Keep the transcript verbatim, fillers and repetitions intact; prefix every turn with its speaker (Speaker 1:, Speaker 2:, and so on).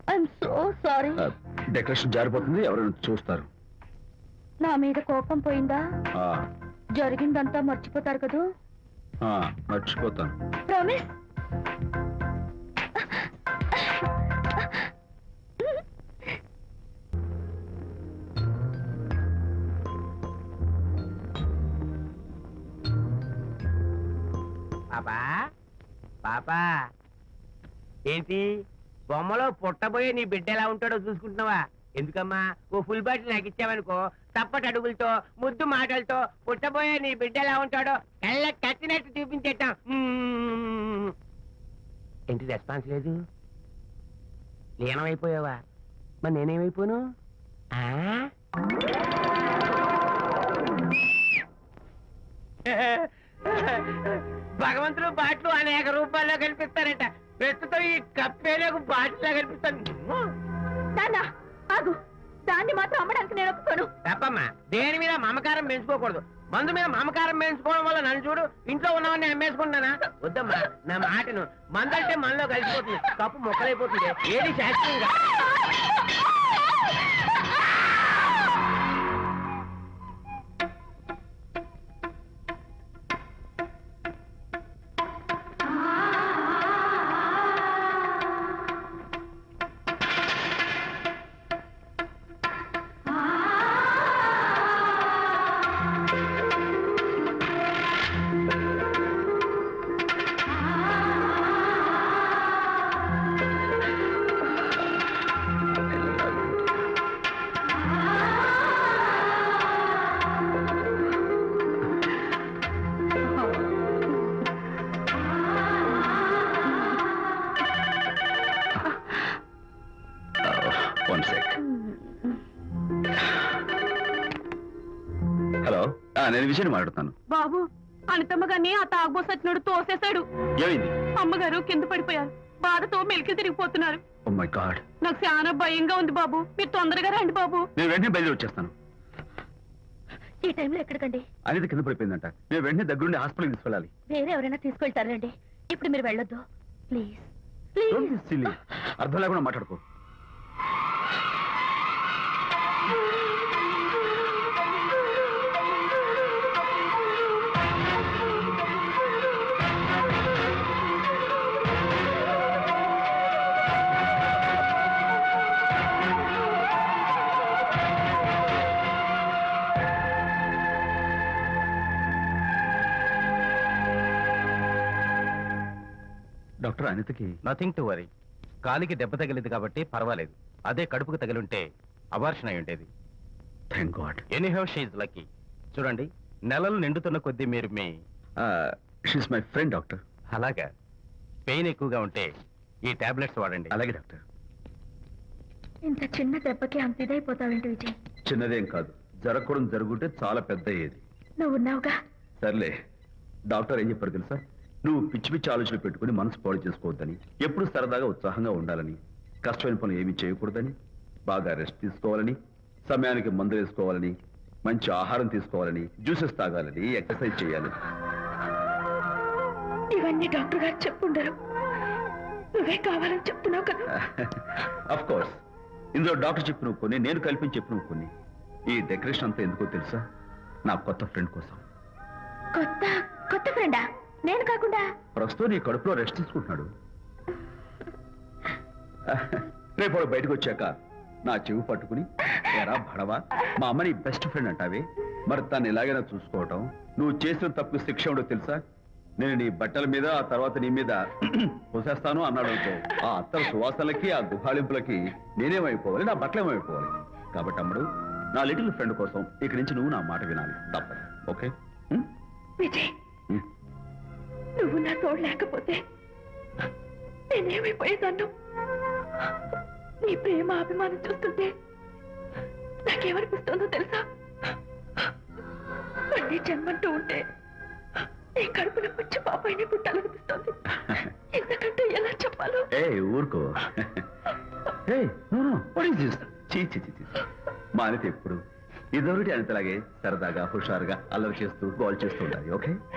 Speaker 1: I'm so sorry.
Speaker 2: Decoration జారిపోతుంది, ఎవరైనా చూస్తారు.
Speaker 1: నా మీద కోపం పోయిందా?
Speaker 2: ఆ,
Speaker 1: జరిగిందంతా మర్చిపోతారు కదూ?
Speaker 2: ఆ, మర్చిపోతాను.
Speaker 1: ప్రామిస్?
Speaker 3: పాపా పాపా ఏంటి బొమ్మలో పుట్టబోయే నీ బిడ్డ ఎలా ఉంటాడో చూసుకుంటున్నావా? ఎందుకమ్మా ఓ ఫుల్ బాటిల్ నాకు ఇచ్చావనుకో, తప్పటి అడుగులతో ముద్దు మాటలతో పుట్టబోయే నీ బిడ్డ ఎలా ఉంటాడో కళ్ళ కట్టినట్టు చూపించేటాం. ఏంటి రెస్పాన్స్ లేదు? లీనమైపోయావా? మరి నేనేమైపోను? ఆ? భగవంతుడు బాట్లు అనేక రూపాల్లో కనిపిస్తారట. ప్రస్తుతం ఈ కప్పేలకు బాటిల్లా కనిపిస్తాను.
Speaker 1: నాన్నా ఆగు, దాన్ని మాత్రం అమ్మడానికి నేను ఒప్పుకోను.
Speaker 3: తప్పమ్మా, దేని మీద మమకారం పెంచుకోకూడదు. మందు మీద మమకారం పెంచుకోవడం వల్ల నన్ను చూడు, ఇంట్లో ఉన్నవన్నీ అమ్మేసుకుంటానా? వద్దమ్మా, నా మాటను. మందు అంటే మనలో కలిసిపోతుంది, కప్పు మొక్కలైపోతుంది. ఏది శాస్త్రంగా
Speaker 2: హలో, నేను విషయం మాట్లాడుతాను.
Speaker 1: బాబు, అనితమ్మ గారిని ఆ తాగుబోసు వచ్చినాడు తోసేశాడు.
Speaker 2: ఏమైంది?
Speaker 1: అమ్మగారు కింద పడిపోయారు. బాధతో మెలికి తిరిగిపోతున్నారు.
Speaker 2: ఓ మై గాడ్,
Speaker 1: నాకు చాలా భయంగా ఉంది బాబు. మీరు తొందరగా రండి బాబు.
Speaker 2: నేను వెంటనే బయలుదేరి వచ్చేస్తాను.
Speaker 1: ఈ టైంలో ఎక్కడికండి?
Speaker 2: అనేది కింద పడిపోయిందంట. నేను వెంటనే దగ్గరుండి హాస్పిటల్కి తీసుకెళ్ళాలి.
Speaker 1: వేరే ఎవరైనా తీసుకెళ్తారండి. ఇప్పుడు మీరు వెళ్ళొద్దు ప్లీజ్.
Speaker 2: Don't be silly. అర్థం లేకుండా మాట్లాడుకో. డాక్టర్, అనితకి
Speaker 4: నథింగ్ టు వరీ. కాలికి దెబ్బ తగిలింది కాబట్టి పర్వాలేదు. అదే కడుపుకు తగిలింటే అబార్షన్ అయి ఉండేది.
Speaker 2: Thank God.
Speaker 4: Anyhow she's lucky. చూడండి, నెలలు నిండుతున్న కొద్దీ మీరు మీ
Speaker 2: షీస్ మై ఫ్రెండ్ డాక్టర్.
Speaker 4: అలాగా, పెయిన్ ఎక్కువగా ఉంటే ఈ టాబ్లెట్స్ వాడండి.
Speaker 2: అలాగే డాక్టర్.
Speaker 1: ఇంత చిన్న దెబ్బకి అంత ఇదైపోతావేంటి విజయ్?
Speaker 2: చిన్నదేం కాదు, జరగకూడదు జరుగుంటే చాలా పెద్ద అయ్యేది.
Speaker 1: నువ్వు ఉన్నావుగా.
Speaker 2: సర్లే. డాక్టర్ ఏం చెప్పారు తెలుసా? నువ్వు పిచ్చి పిచ్చి ఆలోచనలు పెట్టుకుని మనసు పాడు చేసుకోవద్దని, ఎప్పుడు సరదాగా ఉత్సాహంగా ఉండాలని, కష్టమైన పనులు ఏమీ చేయకూడదని, బాగా రెస్ట్ తీసుకోవాలని, సమయానికి మందులు వేసుకోవాలని, మంచి ఆహారం తీసుకోవాలని, జ్యూసెస్ తాగాలని, ఎక్సర్సైజ్ చేయాలని.
Speaker 1: ఇవన్నీ డాక్టర్ గారు చెప్పుండరు, నువ్వే కావాలని చెప్తున్నావు కదా.
Speaker 2: అఫ్ కోర్స్, ఇందులో డాక్టర్ చెప్పిన కొన్ని, నేను కల్పించి చెప్పిన కొన్ని. ఈ డెకరేషన్ అంతా ఎందుకో తెలుసా? నా కొత్త ఫ్రెండ్ కోసం.
Speaker 1: కొత్త కొత్త ఫ్రెండా? నేను కాకుండా?
Speaker 2: ప్రస్తుతం నీ కడుపులో రెస్ట్ తీసుకుంటున్నాడు. రేపు వాడు బయటకు వచ్చాక నా చెవి పట్టుకుని, ఎరా భడవా, మా అమ్మ నీ బెస్ట్ ఫ్రెండ్ అంటావే, మరి తను ఎలాగైనా చూసుకోవటం, నువ్వు చేసిన తప్పు శిక్ష ఉండో తెలుసా? నేను నీ బట్టల మీద, ఆ తర్వాత నీ మీద పోసేస్తాను అన్నాడు అనుకో, ఆ అత్తల సువాసనలకి, ఆ గుహాళింపులకి నేనేమైపోవాలి, నా బట్టలేమైపోవాలి. కాబట్టి అమ్ముడు, నా లిటిల్ ఫ్రెండ్ కోసం ఇక్కడి నుంచి నువ్వు నా మాట వినాలి, తప్పదు. ఓకే?
Speaker 1: విజయ్, నువ్వు నా తోడు లేకపోతే నేనేమైపోయేదాన్ను. నీ ప్రేమ అభిమానం చూస్తుంటే నాకేమనిపిస్తుందో తెలుసా? మళ్ళీ జన్మంటూ ఉంటే నీ కడుపున వచ్చి పాపాయిని పుట్టాలనిపిస్తుంది. ఎందుకంటే ఎలా చెప్పాలో.
Speaker 2: ఏ ఊరుకో. మా అనిత ఎప్పుడు ఇదొకటి అనితలాగే సరదాగా హుషారుగా అల్లరి చేస్తూ గోల్ చేస్తూ ఉండాలి. ఓకే?